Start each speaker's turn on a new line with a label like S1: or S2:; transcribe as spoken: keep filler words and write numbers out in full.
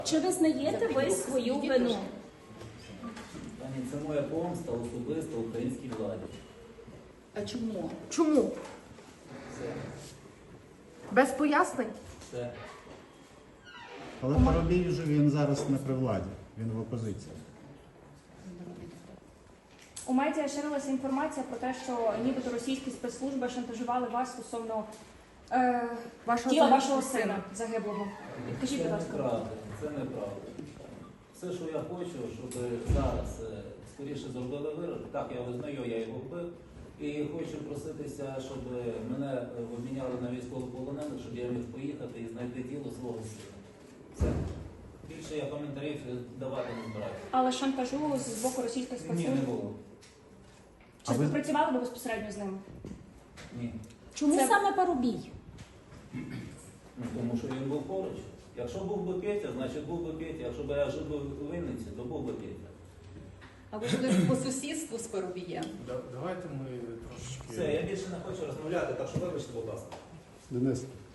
S1: Чи визнаєте ви свою вину?
S2: Пані, це моя помста особисто українській владі.
S3: А чому?
S4: Чому?
S2: Все.
S4: Без пояснень?
S2: Все.
S5: Але Парубій вже він зараз не при владі, він в опозиції.
S6: У медіа ширилася інформація про те, що нібито російські спецслужби шантажували вас стосовно е,
S4: Вашого
S6: тіла
S4: сина?
S6: вашого сина загиблого. Підкажіть,
S2: Це
S6: будь ласка.
S2: неправда, це неправда. Все, що я хочу, щоб зараз е, скоріше зробили вирок. Так, я визнаю, я його вбив. І хочу проситися, щоб мене е, обміняли на військовополонених, щоб я міг поїхати і знайти тіло свого сина. Все. Більше я коментарів давати не збираюся.
S6: Але шантажу з боку російських
S2: Ні,
S6: спецслужб.
S2: не було.
S6: Чи співпрацювали ви безпосередньо з ними?
S2: Ні.
S1: Чому
S6: Це-
S1: саме Парубій?
S2: Ну, тому що він був поруч. Якщо був би Петя, значить був би Петя. Якщо б я жив би у Вінниці, то був би Петя.
S3: А ви жили по сусідству з Парубієм?
S7: Да- Давайте ми трошечки.
S2: Все, я більше не хочу розмовляти, так що вибачте, будь ласка.
S5: Денис,